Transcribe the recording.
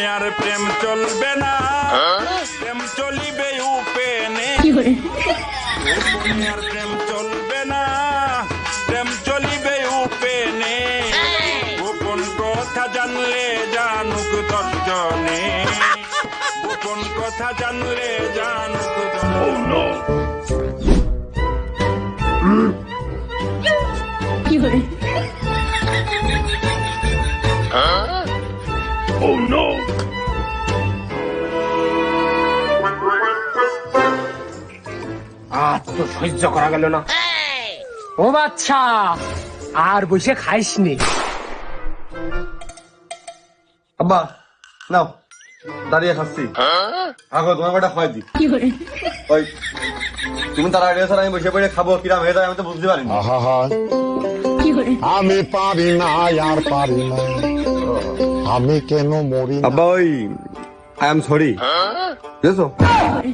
আর প্রেম চলবে না, প্রেম চলিবে উপেনে। গোপনে আর প্রেম চলবে না, প্রেম চলিবে উপেনে। গোপন কথা জানলে জানুক দশজনে, গোপন কথা জানলে জানুক দশজনে। Oh no! আজ তো সহ্য করা গেল না। ও বাচ্চা, আর বসে খাইসনি। আব্বা নাও, দাঁড়িয়ে খাচ্ছি। আগো তোমার কটা খাওয়াই দি। ওই তুমি তার আগে স্যার আমি বসে পড়ে খাবো, কিরাম হয়ে যায় আমি তো বুঝতে পারিনি। আমি পারি না, আর পারি না, আমি কেন মরি না? আব্বা ওই আই এম সরি, বুঝেছো?